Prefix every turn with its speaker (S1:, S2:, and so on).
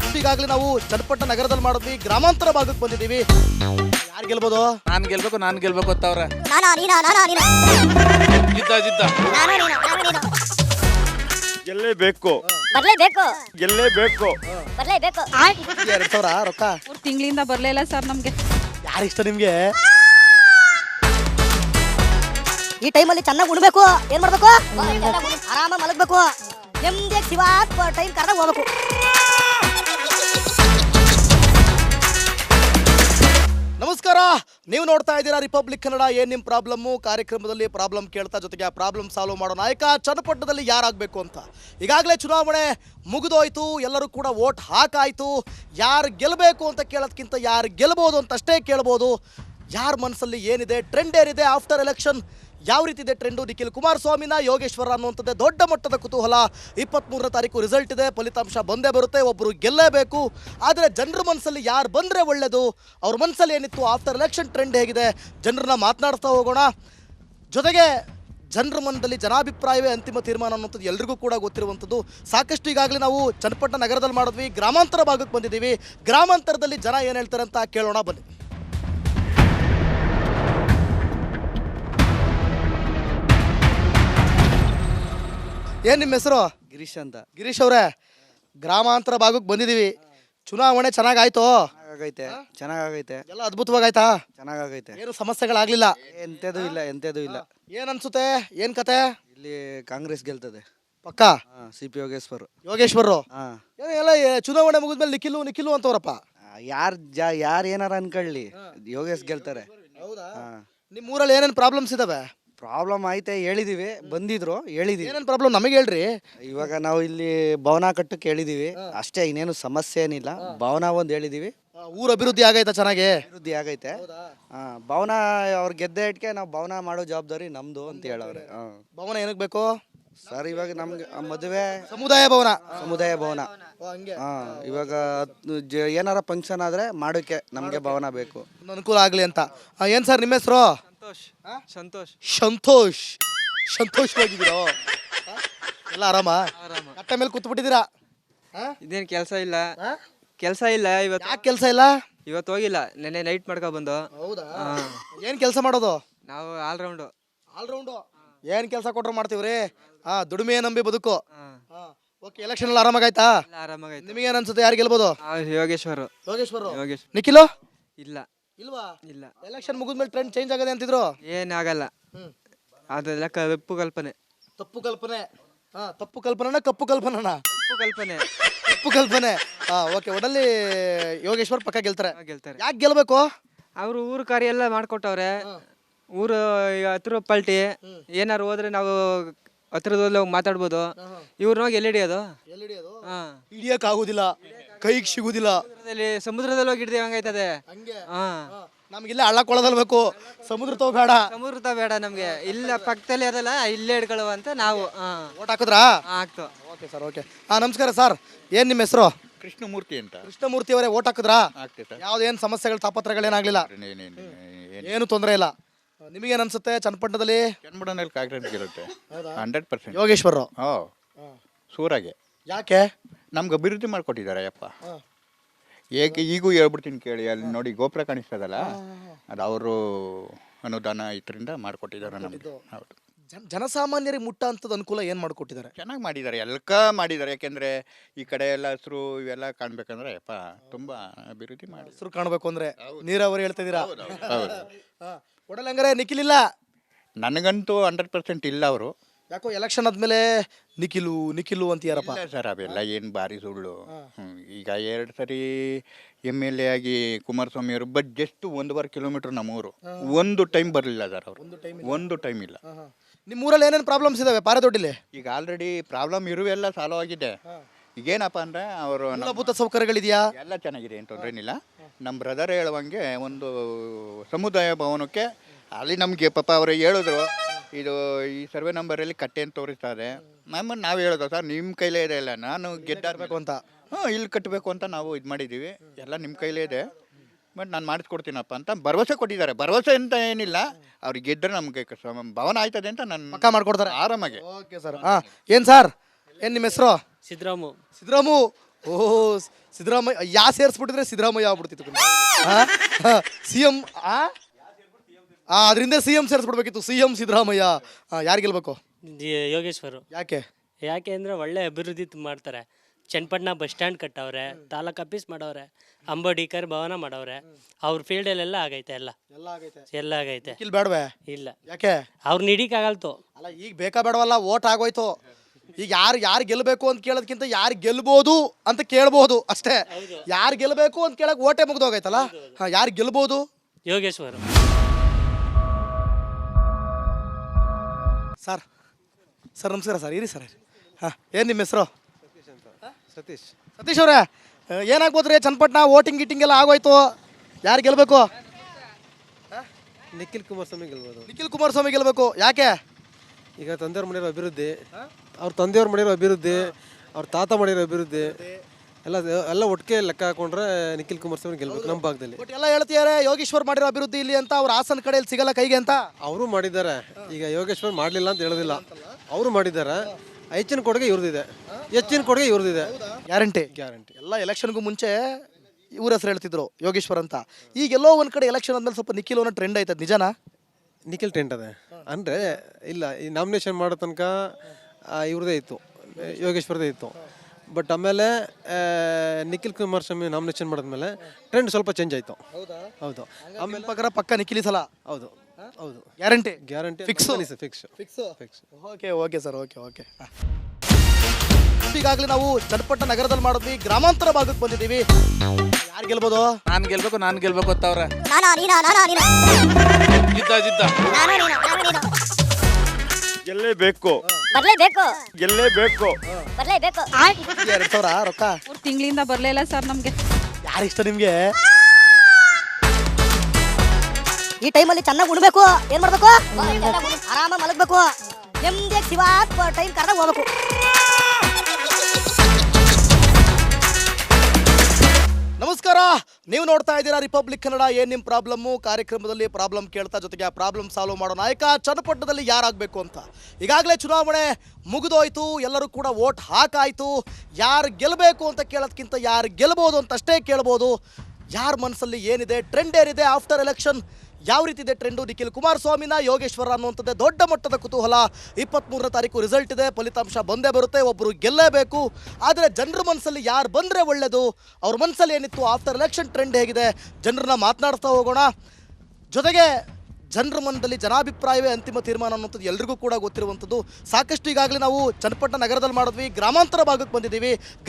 S1: ಸಾಕಷ್ಟು ಈಗಾಗಲೇ ನಾವು ಚನ್ನಪಟ್ಟಣ ನಗರದಲ್ಲಿ ಮಾಡಿದ್ವಿ, ಗ್ರಾಮಾಂತರ ಭಾಗಕ್ಕೆ ಬಂದಿದ್ದೀವಿ. ಯಾರು ಗೆಲ್ಬೋದು?
S2: ನಾನು ಗೆಲ್ಬೇಕು ಅಂತ ಅವ್ರೆ.
S3: ಗೆಲ್ಲೇಬೇಕು.
S1: 2,000 ರೊಕ್ಕ
S4: ತಿಂಗಳಿಂದ ಬರ್ಲಿಲ್ಲ ಸರ್ ನಮ್ಗೆ.
S1: ಯಾರಿಷ್ಟ ನಿಮ್ಗೆ?
S5: ಈ ಟೈಮಲ್ಲಿ ಚೆನ್ನಾಗಿ ಉಣ್ಬೇಕು. ಏನ್ ಮಾಡ್ಬೇಕು? ಆರಾಮ ಮಲಗಬೇಕು. ನೆಮ್ಮದಿಯಾಗಿ ಶಿವ ಟೈಮ್ ಕರೆದಾಗ ಹೋಗ್ಬೇಕು.
S1: ನಮಸ್ಕಾರ, ನೀವು ನೋಡ್ತಾ ಇದ್ದೀರಾ ರಿಪಬ್ಲಿಕ್ ಕನ್ನಡ. ಏನ್ ನಿಮ್ ಪ್ರಾಬ್ಲಮ್ಮು ಕಾರ್ಯಕ್ರಮದಲ್ಲಿ ಪ್ರಾಬ್ಲಮ್ ಕೇಳ್ತಾ, ಜೊತೆಗೆ ಆ ಪ್ರಾಬ್ಲಮ್ ಸಾಲ್ವ್ ಮಾಡೋ ನಾಯಕ ಚನ್ನಪಟ್ಟಣದಲ್ಲಿ ಯಾರಾಗಬೇಕು ಅಂತ. ಈಗಾಗಲೇ ಚುನಾವಣೆ ಮುಗಿದೋಯ್ತು, ಎಲ್ಲರೂ ಕೂಡ ವೋಟ್ ಹಾಕಾಯ್ತು. ಯಾರು ಗೆಲ್ಲಬೇಕು ಅಂತ ಕೇಳೋದಕ್ಕಿಂತ ಯಾರು ಗೆಲ್ಬೋದು ಅಂತ ಅಷ್ಟೇ ಕೇಳ್ಬೋದು. ಯಾರ ಮನಸ್ಸಲ್ಲಿ ಏನಿದೆ, ಟ್ರೆಂಡ್ ಏನಿದೆ, ಆಫ್ಟರ್ ಎಲೆಕ್ಷನ್ ಯಾವ ರೀತಿ ಇದೆ ಟ್ರೆಂಡು, ನಿಖಿಲ್ ಕುಮಾರಸ್ವಾಮಿನ ಯೋಗೇಶ್ವರ ಅನ್ನುವಂಥದ್ದೇ ದೊಡ್ಡ ಮಟ್ಟದ ಕುತೂಹಲ. 23ನೇ ತಾರೀಕು ರಿಸಲ್ಟ್ ಇದೆ, ಫಲಿತಾಂಶ ಬಂದೇ ಬರುತ್ತೆ, ಒಬ್ಬರು ಗೆಲ್ಲೇಬೇಕು. ಆದರೆ ಜನರ ಮನಸ್ಸಲ್ಲಿ ಯಾರು ಬಂದರೆ ಒಳ್ಳೆಯದು, ಅವ್ರ ಮನಸ್ಸಲ್ಲಿ ಏನಿತ್ತು, ಆಫ್ಟರ್ ಎಲೆಕ್ಷನ್ ಟ್ರೆಂಡ್ ಹೇಗಿದೆ, ಜನರನ್ನ ಮಾತನಾಡ್ತಾ ಹೋಗೋಣ. ಜೊತೆಗೆ ಜನರ ಮನದಲ್ಲಿ ಜನಾಭಿಪ್ರಾಯವೇ ಅಂತಿಮ ತೀರ್ಮಾನ ಅನ್ನೋಂಥದ್ದು ಎಲ್ರಿಗೂ ಕೂಡ ಗೊತ್ತಿರುವಂಥದ್ದು. ಸಾಕಷ್ಟು ಈಗಾಗಲೇ ನಾವು ಚನ್ನಪಟ್ಟಣ ನಗರದಲ್ಲಿ ಮಾಡಿದ್ವಿ, ಗ್ರಾಮಾಂತರ ಭಾಗಕ್ಕೆ ಬಂದಿದ್ದೀವಿ. ಗ್ರಾಮಾಂತರದಲ್ಲಿ ಜನ ಏನು ಹೇಳ್ತಾರೆ ಅಂತ ಕೇಳೋಣ ಬನ್ನಿ. ಏನು ನಿಮ್ಮ ಹೆಸರು?
S6: ಗಿರೀಶ್ ಅಂತ.
S1: ಗಿರೀಶ್ ಅವರೇ, ಗ್ರಾಮಾಂತರ ಭಾಗಕ್ಕೆ ಬಂದಿದ್ದೀವಿ. ಚುನಾವಣೆ ಚೆನ್ನಾಗಾಯ್ತು?
S6: ಚೆನ್ನಾಗೈತೆ.
S1: ಎಲ್ಲ ಅದ್ಭುತವಾಗಾಯ್ತಾ?
S6: ಚೆನ್ನಾಗೈತೆ.
S1: ಏನು ಸಮಸ್ಯೆಗಳಾಗಲಿಲ್ಲ?
S6: ಎಂತದೂ ಇಲ್ಲ.
S1: ಏನು ಅನ್ಸುತ್ತೆ, ಏನು ಕತೆ?
S6: ಇಲ್ಲಿ ಕಾಂಗ್ರೆಸ್ ಗೆಲ್ತದೆ
S1: ಪಕ್ಕ.
S6: CP
S1: ಯೋಗೇಶ್ವರು
S6: ಹಾ.
S1: ಎಲ್ಲ ಚುನಾವಣೆ ಮುಗಿದ್ಮೇಲೆ ನಿಖಿಲು ಅಂತವ್ರಪ್ಪ.
S6: ಯಾರು ಏನಾರ ಅನ್ಕೊಳ್ಳಿ, ಯೋಗೇಶ್ ಗೆಲ್ತಾರೆ.
S1: ನಿಮ್ಮ ಊರಲ್ಲಿ ಏನೇನು ಪ್ರಾಬ್ಲಮ್ಸ್ ಇದಾವೆ?
S6: ಪ್ರಾಬ್ಲಮ್ ಐತೆ, ಬಂದಿದ್ರು ಹೇಳಿದೀವಿ.
S1: ಏನೇನು ಪ್ರಾಬ್ಲಮ್ ನಮಗೆ ಹೇಳ್ರಿ.
S6: ಇವಾಗ ನಾವು ಇಲ್ಲಿ ಭವನ ಕಟ್ಟಕ್ಕೆ ಹೇಳಿದೀವಿ ಅಷ್ಟೇ, ಇನ್ನೇನು ಸಮಸ್ಯೆ ಏನಿಲ್ಲ. ಭವನ ಒಂದು ಹೇಳಿದೀವಿ.
S1: ಊರ ಅಭಿವೃದ್ಧಿ ಆಗೈತಾ? ಚೆನ್ನಾಗಿ
S6: ಅಭಿವೃದ್ಧಿ ಆಗೈತೆ. ಭವನ ಅವ್ರು ಗೆದ್ದ ಇಟ್ಕೆ ನಾವು ಭವನ ಮಾಡೋ ಜವಾಬ್ದಾರಿ ನಮ್ದು ಅಂತ ಹೇಳವ್ರೆ.
S1: ಭವನ ಏನಕ್ಕೆ ಬೇಕು
S6: ಸರ್? ಇವಾಗ ನಮ್ಗೆ ಮದುವೆ
S1: ಸಮುದಾಯ ಭವನ.
S6: ಇವಾಗ ಏನಾರ ಫಂಕ್ಷನ್ ಆದ್ರೆ ಮಾಡೋಕೆ ನಮ್ಗೆ ಭವನ ಬೇಕು,
S1: ಅನುಕೂಲ ಆಗ್ಲಿ ಅಂತ. ಏನ್ ಸರ್ ನಿಮ್ಮ ಹೆಸರು? ಸಂತೋಷವಾಗಿದ್ದೀರೋ? ಎಲ್ಲ ಆರಾಮ? ಕಟ್ಟ ಮೇಲೆ ಕೂತ್ಬಿಟ್ಟಿದ್ದೀರಾ?
S7: ಇದೇನು ಕೆಲಸ ಇಲ್ಲ ಇವತ್ತು.
S1: ಯಾಕೆ ಕೆಲಸ ಇಲ್ಲ?
S7: ಇವತ್ತು ಹೋಗಿಲ್ಲ, ನೆನ್ನೆ ನೈಟ್ ಮಾಡ್ಕೊ ಬಂದು.
S1: ಹೌದಾ? ಏನ್ ಕೆಲಸ ಮಾಡೋದು?
S7: ನಾವು ಆಲ್ರೌಂಡು.
S1: ಏನ್ ಕೆಲಸ ಕೊಟ್ರು ಮಾಡ್ತೀವ್ರಿ. ದುಡಿಮೆ ನಂಬಿ ಬದುಕು. ಓಕೆ, ಎಲೆಕ್ಷನ್ ಎಲ್ಲ ಆರಾಮಾಗಾಯ್ತಾ?
S7: ಆರಾಮಾಗೈತೆ.
S1: ನಿಮಗೇನ್ ಅನ್ಸುತ್ತೆ, ಯಾರು ಗೆಲ್ಬೋದು?
S7: ಯೋಗೇಶ್ವರು.
S1: ನಿಖಿಲು
S7: ಇಲ್ವಾ?
S1: ಇಲ್ಲ. ಎಲೆಕ್ಷನ್ ಮುಗಿದ್ಮೇಲೆ ಟ್ರೆಂಡ್ ಚೇಂಜ್ ಆಗದೆ ಅಂತಿದ್ರು.
S7: ಏನಾಗಲ್ಲ, ಅದೆಲ್ಲ ಕಪ್ಪು ಕಲ್ಪನೆ.
S1: ತಪ್ಪು ಕಲ್ಪನೆ. ಕಪ್ಪು ಕಲ್ಪನೆ. ಓಕೆ, ಒಡಲ್ಲಿ ಯೋಗೇಶ್ವರ್ ಪಕ್ಕ ಗೆಲ್ತಾರೆ. ಯಾಕೆ ಗೆಲ್ಬೇಕು?
S7: ಅವರು ಊರು ಕಾರ್ಯ ಎಲ್ಲ ಮಾಡ್ಕೊಟ್ಟವ್ರೆ. ಊರು ಹತ್ರ ಪಲ್ಟಿ ಏನಾರು ಹೋದ್ರೆ ನಾವು ಹತ್ರದಲ್ಲಿ ಹೋಗಿ ಮಾತಾಡ್ಬೋದು. ಇವ್ರನ್ನ ಹೋಗಿ ಎಲ್ಲಿ ಹಿಡಿಯೋದು?
S1: ಹಿಡಿಯಕ್ ಆಗುದಿಲ್ಲ, ಕೈಗೆ ಸಿಗುದಿಲ್ಲ.
S7: ಸಮುದ್ರದಲ್ಲಿ ಹೋಗಿ ಹಿಡಿದೇ ಹಂಗೈತದೆ.
S1: ನಮ್ಗಿಲ್ಲ ಹಳ್ಳ ಕೊಳದಲ್ಲಿ ಬೇಕು, ಸಮುದ್ರ
S7: ಬೇಡ ನಮ್ಗೆ. ಇಲ್ಲ ಪಕ್ಕದಲ್ಲಿ ಅದಲ್ಲ, ಇಲ್ಲೇ ಹಿಡ್ಕೊಳ್ಳುವ ಅಂತ ನಾವು
S1: ಓಟ್ ಹಾಕಿದ್ರಾ?
S7: ಆಗ್ತು.
S1: Okay sir, okay. ನಮಸ್ಕಾರ ಸರ್, ಏನ್ ನಿಮ್ಮ ಹೆಸರು?
S3: ಕೃಷ್ಣಮೂರ್ತಿ ಅಂತ.
S1: ಕೃಷ್ಣಮೂರ್ತಿ ಅವರೇ, ಓಟ್ ಹಾಕಿದ್ರಾ? ಯಾವ್ದೇನು ಸಮಸ್ಯೆಗಳು ತಾಪತ್ರಗಳೇನಾಗ್ಲಿಲ್ಲ? ಏನು ತೊಂದರೆ ಇಲ್ಲ. ನಿಮಗೇನು ಅನ್ಸುತ್ತೆ ಚನ್ನಪಟ್ಟಣದಲ್ಲಿ?
S3: ಚನ್ನಪಟ್ಟಣದಲ್ಲಿ ಕಾಂಗ್ರೆಸ್ ಗೆಲ್ಲುತ್ತೆ 100%.
S1: ಯೋಗೇಶ್ವರರು
S3: ಸೂರಾಗೆ.
S1: ಯಾಕೆ?
S3: ನಮ್ಗೆ ಅಭಿವೃದ್ಧಿ ಮಾಡ್ಕೊಟ್ಟಿದ್ದಾರೆ ಅಪ್ಪ. ಈಗೂ ಹೇಳ್ಬಿಡ್ತೀನಿ ಕೇಳಿ, ಅಲ್ಲಿ ನೋಡಿ ಗೋಪುರ ಕಾಣಿಸ್ತದಲ್ಲ, ಅದು ಅವರು ಅನುದಾನ ಇದರಿಂದ ಮಾಡ್ಕೊಟ್ಟಿದ್ದಾರೆ ನಮ್ಗೆ. ಹೌದು.
S1: ಜನಸಾಮಾನ್ಯರಿಗೆ ಮುಟ್ಟ ಅಂತದ ಅನುಕೂಲ ಏನು ಮಾಡಿಕೊಟ್ಟಿದ್ದಾರೆ?
S3: ಚೆನ್ನಾಗಿ ಮಾಡಿದ್ದಾರೆ, ಮಾಡಿದ್ದಾರೆ. ಯಾಕೆಂದ್ರೆ ಈ ಕಡೆ ಎಲ್ಲ ಹಸಿರು ಇವೆಲ್ಲ ಕಾಣ್ಬೇಕಂದ್ರೆ ಅಪ್ಪ ತುಂಬಾ ಅಭಿವೃದ್ಧಿ ಮಾಡಿ.
S1: ಹಸಿರು ಕಾಣಬೇಕು ಅಂದ್ರೆ ನೀರಾವರಿ ಹೇಳ್ತಾ ಇದೀರಾ?
S3: ಹೌದು.
S1: ಒಡಲಂಗರೆ ನಿಖಿಲ್ ಇಲ್ಲ?
S3: ನನಗಂತೂ 100% ಇಲ್ಲ. ಅವರು
S1: ಯಾಕೋ ಎಲೆಕ್ಷನ್ ಆದ್ಮೇಲೆ ನಿಖಿಲು ಅಂತೀಯಾರಪ್ಪ.
S3: ಸರ್ ಅವೆಲ್ಲ ಏನು ಭಾರಿ ಸುಳ್ಳು. ಈಗ 2 ಸರಿ MLA ಆಗಿ ಕುಮಾರಸ್ವಾಮಿ ಅವರು ಜಸ್ಟ್ 1.5 ಕಿಲೋಮೀಟರ್ ನಮ್ಮೂರು. ಒಂದು ಟೈಮ್ ಬರಲಿಲ್ಲ ಸರ್ ಅವರು, ಒಂದು ಟೈಮ್ ಇಲ್ಲ.
S1: ನಿಮ್ಮ ಊರಲ್ಲಿ ಏನೇನು ಪ್ರಾಬ್ಲಮ್ಸ್ ಇದಾವೆ ಪಾರದೊಡ್ಡಿಲಿ?
S3: ಈಗ ಆಲ್ರೆಡಿ ಪ್ರಾಬ್ಲಮ್ ಇರುವೆಲ್ಲ ಸಾಲ್ವ್ ಆಗಿದೆ. ಈಗೇನಪ್ಪ ಅಂದರೆ ಅವರು
S1: ಮೂಲಭೂತ ಸೌಕರ್ಯಗಳಿದೆಯಾ?
S3: ಎಲ್ಲ ಚೆನ್ನಾಗಿದೆ, ಏನು ತೊಂದರೆ ಏನಿಲ್ಲ. ನಮ್ಮ ಬ್ರದರ್ ಹೇಳುವಂಗೆ ಒಂದು ಸಮುದಾಯ ಭವನಕ್ಕೆ ಅಲ್ಲಿ ನಮಗೆ ಪಾಪ ಅವರು ಹೇಳಿದ್ರು, ಇದು ಈ ಸರ್ವೆ ನಂಬರಲ್ಲಿ ಕಟ್ಟೆ ಅಂತ ತೋರಿಸ್ತಾರೆ. ನಾವು ಹೇಳೋದು ಸರ್ ನಿಮ್ಮ ಕೈಲೇ ಇದೆ, ಇಲ್ಲ ನಾನು ಗೆದ್ದಾರಬೇಕು
S1: ಅಂತ.
S3: ಇಲ್ಲಿ ಕಟ್ಟಬೇಕು ಅಂತ ನಾವು ಇದು ಮಾಡಿದ್ದೀವಿ, ಎಲ್ಲ ನಿಮ್ಮ ಕೈಲೇ ಇದೆ, ಬಟ್ ನಾನು ಮಾಡಿಸ್ಕೊಡ್ತೀನಪ್ಪ ಅಂತ ಭರವಸೆ ಕೊಟ್ಟಿದ್ದಾರೆ. ಭರವಸೆ ಅಂತ ಏನಿಲ್ಲ, ಅವ್ರಿಗೆ ಗೆದ್ದರೆ ನಮಗೆ ಭವನ ಆಯ್ತದೆ ಅಂತ ನಾನು
S1: ಪಕ್ಕ ಮಾಡ್ಕೊಡ್ತಾರೆ
S3: ಆರಾಮಾಗಿ.
S1: Okay sir. ಏನು ಸರ್, ಏನು ನಿಮ್ಮ ಹೆಸರು?
S8: ಸಿದ್ರಾಮು.
S1: ಓ ಸಿದ್ದರಾಮಯ್ಯ ಯಾ ಸೇರಿಸ್ಬಿಟ್ಟಿದ್ರೆ ಸಿದ್ದರಾಮಯ್ಯ ಆಗ್ಬಿಡ್ತಿತ್ತು ಸಿ ಎಂ ಅದರಿಂದ ಸಿ ಎಂ ಸೇರಿಸ್ಬಿಡ್ಬೇಕಿತ್ತು ಸಿ ಎಂ ಸಿದ್ದರಾಮಯ್ಯ ಯಾರು ಗೆಲ್ಬೇಕು
S8: ಯೋಗೇಶ್ವರು.
S1: ಯಾಕೆ
S8: ಯಾಕೆ ಅಂದರೆ ಒಳ್ಳೆ ಅಭಿವೃದ್ಧಿ ಮಾಡ್ತಾರೆ. ಚನ್ನಪಟ್ಟಣ ಬಸ್ ಸ್ಟ್ಯಾಂಡ್ ಕಟ್ಟವ್ರೆ, ತಾಲೂಕು ಆಫೀಸ್ ಮಾಡವ್ರೆ, ಅಂಬೋಡಿಕರ್ ಭವನ ಮಾಡವ್ರೆ. ಅವ್ರ ಫೀಲ್ಡಲ್ಲೆಲ್ಲ ಆಗೈತೆ, ಎಲ್ಲ ಆಗೈತೆ.
S1: ನಿಖಿಲ್ ಬೇಡವೆ
S8: ಇಲ್ಲ,
S1: ಯಾಕೆ
S8: ಅವ್ರು ನಿಡಿಕಾಗಲ್ತು.
S1: ಅಲ್ಲ ಈಗ ಬೇಕಾ ಬೇಡವಲ್ಲ, ಓಟ್ ಆಗೋಯ್ತು. ಈಗ ಯಾರು ಗೆಲ್ಲಬೇಕು ಅಂತ ಕೇಳೋದಕ್ಕಿಂತ ಯಾರು ಗೆಲ್ಬೋದು ಅಂತ ಕೇಳ್ಬೋದು ಅಷ್ಟೇ. ಯಾರು ಗೆಲ್ಲಬೇಕು ಅಂತ ಕೇಳಕ್ ಓಟೆ ಮುಗ್ದೋಗೈತಲ್ಲ. ಯಾರು ಗೆಲ್ಬೋದು?
S8: ಯೋಗೇಶ್ವರು.
S1: ಸರ್ ನಮಸ್ಕಾರ ಸರ್. ಇರಿ ಸರ್. ಏನು ನಿಮ್ಮ ಹೆಸರು? ಸತೀಶ್ ಅವರೇ, ಏನಾಗ್ಬೋದ್ರಿ ಚನ್ನಪಟ್ಟಣ ವೋಟಿಂಗ್ ಗೀಟಿಂಗ್ ಎಲ್ಲ ಆಗೋಯ್ತು, ಯಾರು ಗೆಲ್ಲಬೇಕು?
S9: ನಿಖಿಲ್ ಕುಮಾರಸ್ವಾಮಿ ಗೆಲ್ಬೋದು.
S1: ನಿಖಿಲ್ ಕುಮಾರಸ್ವಾಮಿ ಗೆಲ್ಲಬೇಕು. ಯಾಕೆ?
S9: ಈಗ ತಂದೆಯವ್ರು ಮಾಡಿರೋ ಅಭಿವೃದ್ಧಿ, ಅವ್ರ ತಂದೆಯವ್ರು ಮಾಡಿರೋ ಅಭಿವೃದ್ಧಿ, ಅವ್ರ ತಾತ ಮಾಡಿರೋ ಅಭಿವೃದ್ಧಿ ಎಲ್ಲ ಒಟ್ಟಿಗೆ ಲೆಕ್ಕ ಹಾಕೊಂಡ್ರೆ ನಿಖಿಲ್ ಕುಮಾರಸ್ವಾಮಿ ಗೆಲ್ಬೇಕು ನಮ್ಮ ಭಾಗದಲ್ಲಿ.
S1: ಬಟ್ ಎಲ್ಲ ಹೇಳ್ತಿದ್ದಾರೆ ಯೋಗೇಶ್ವರ್ ಮಾಡಿರೋ ಅಭಿವೃದ್ಧಿ ಇಲ್ಲಿ ಅಂತ, ಅವ್ರ ಹಾಸನ ಕಡೆಯಲ್ಲಿ ಸಿಗಲ್ಲ ಕೈಗೆ ಅಂತ.
S9: ಅವರು ಮಾಡಿದ್ದಾರೆ. ಈಗ ಯೋಗೇಶ್ವರ್ ಮಾಡಲಿಲ್ಲ ಅಂತ ಹೇಳೋದಿಲ್ಲ, ಅವರು ಮಾಡಿದ್ದಾರೆ. ಹೆಚ್ಚಿನ ಕೊಡುಗೆ ಇವ್ರದಿದೆ, ಹೆಚ್ಚಿನ ಕೊಡುಗೆ ಇವ್ರದಿದೆ.
S1: ಗ್ಯಾರಂಟಿ ಎಲ್ಲ ಎಲೆಕ್ಷನ್ಗೂ ಮುಂಚೆ ಇವ್ರ ಹೆಸರು ಹೇಳ್ತಿದ್ರು ಯೋಗೇಶ್ವರ್ ಅಂತ. ಈಗೆಲ್ಲೋ ಒಂದು ಕಡೆ ಎಲೆಕ್ಷನ್ ಆದ್ಮೇಲೆ ಸ್ವಲ್ಪ ನಿಖಿಲ್ ಅನ್ನೋ ಟ್ರೆಂಡ್ ಆಯ್ತದ, ನಿಜನಾ?
S9: ನಿಖಿಲ್ ಟೆಂಟ್ ಅದೇ ಅಂದರೆ ಇಲ್ಲ, ಈ ನಾಮಿನೇಷನ್ ಮಾಡೋ ತನಕ ಇವ್ರದೇ ಇತ್ತು, ಯೋಗೇಶ್ವರದೇ ಇತ್ತು. ಬಟ್ ಆಮೇಲೆ ನಿಖಿಲ್ ಕುಮಾರಸ್ವಾಮಿ ನಾಮಿನೇಷನ್ ಮಾಡಿದ್ಮೇಲೆ ಟ್ರೆಂಡ್ ಸ್ವಲ್ಪ ಚೇಂಜ್ ಆಯಿತು. ಹೌದು.
S1: ಆಮೇಲೆ ಪ್ರಕಾರ ಪಕ್ಕ ನಿಖಿಲ್ ಸಲ.
S9: ಹೌದು.
S1: Guarantee
S9: fix.
S1: Okay sir. ಈಗಾಗಲೇ ನಾವು ಚನ್ನಪಟ್ಟಣ ನಗರದಲ್ಲಿ ಮಾಡಿದ್ವಿ, ಗ್ರಾಮಾಂತರ ಭಾಗಕ್ಕೆ ಬಂದಿದ್ದೀವಿ. ಯಾರು ಗೆಲ್ಬೋದು?
S2: ನಾನು ಗೆಲ್ಬೇಕು ಅಂತವ್ರೆ. ಜಿದ್ದ
S3: ಗೆಲ್ಲೇಬೇಕು.
S1: 2,000 ರೊಕ್ಕ
S4: 3 ತಿಂಗಳಿಂದ ಬರ್ಲಿಲ್ಲ ಸರ್ ನಮ್ಗೆ.
S1: ಯಾರು ಇಷ್ಟ ನಿಮ್ಗೆ?
S5: ಈ ಟೈಮಲ್ಲಿ ಚೆನ್ನಾಗಿ ಉಣ್ಬೇಕು. ಏನ್ ಮಾಡ್ಬೇಕು? ಆರಾಮ ಮಲಗ್ಬೇಕು. ನೆಮ್ಮದಿಯಾಗಿ ಶಿವ ಟೈಮ್ ಕರೆದಾಗ ಹೋಗ್ಬೇಕು.
S1: ನಮಸ್ಕಾರ, ನೀವು ನೋಡ್ತಾ ಇದ್ದೀರಾ ರಿಪಬ್ಲಿಕ್ ಕನ್ನಡ. ಏನ್ ನಿಮ್ಮ ಪ್ರಾಬ್ಲಮ್ಮು ಕಾರ್ಯಕ್ರಮದಲ್ಲಿ ಪ್ರಾಬ್ಲಮ್ ಕೇಳ್ತಾ, ಜೊತೆಗೆ ಆ ಪ್ರಾಬ್ಲಮ್ ಸಾಲ್ವ್ ಮಾಡೋ ನಾಯಕ ಚನ್ನಪಟ್ಟಣದಲ್ಲಿ ಯಾರಾಗಬೇಕು ಅಂತ. ಈಗಾಗಲೇ ಚುನಾವಣೆ ಮುಗಿದೋಯ್ತು, ಎಲ್ಲರೂ ಕೂಡ ವೋಟ್ ಹಾಕಾಯ್ತು. ಯಾರು ಗೆಲ್ಲಬೇಕು ಅಂತ ಕೇಳೋದಕ್ಕಿಂತ ಯಾರು ಗೆಲ್ಬೋದು ಅಂತ ಅಷ್ಟೇ ಕೇಳ್ಬೋದು. ಯಾರ ಮನಸ್ಸಲ್ಲಿ ಏನಿದೆ, ಟ್ರೆಂಡ್ ಏನಿದೆ, ಆಫ್ಟರ್ ಎಲೆಕ್ಷನ್ ಯಾವ ರೀತಿ ಇದೆ ಟ್ರೆಂಡು, ನಿಖಿಲ್ ಕುಮಾರಸ್ವಾಮಿನ ಯೋಗೇಶ್ವರ ಅನ್ನುವಂಥದ್ದೇ ದೊಡ್ಡ ಮಟ್ಟದ ಕುತೂಹಲ. 23ನೇ ತಾರೀಕು ರಿಸಲ್ಟ್ ಇದೆ, ಫಲಿತಾಂಶ ಬಂದೇ ಬರುತ್ತೆ, ಒಬ್ಬರು ಗೆಲ್ಲೇಬೇಕು. ಆದರೆ ಜನರ ಮನಸ್ಸಲ್ಲಿ ಯಾರು ಬಂದರೆ ಒಳ್ಳೆಯದು, ಅವ್ರ ಮನಸ್ಸಲ್ಲಿ ಏನಿತ್ತು, ಆಫ್ಟರ್ ಎಲೆಕ್ಷನ್ ಟ್ರೆಂಡ್ ಹೇಗಿದೆ, ಜನರನ್ನ ಮಾತನಾಡ್ತಾ ಹೋಗೋಣ. ಜೊತೆಗೆ ಜನರ ಮನದಲ್ಲಿ ಜನಾಭಿಪ್ರಾಯವೇ ಅಂತಿಮ ತೀರ್ಮಾನ ಅನ್ನೋಂಥದ್ದು ಎಲ್ರಿಗೂ ಕೂಡ ಗೊತ್ತಿರುವಂಥದ್ದು. ಸಾಕಷ್ಟು ಈಗಾಗಲೇ ನಾವು ಚನ್ನಪಟ್ಟಣ ನಗರದಲ್ಲಿ ಮಾಡಿದ್ವಿ, ಗ್ರಾಮಾಂತರ ಭಾಗಕ್ಕೆ ಬಂದಿದ್ದೀವಿ.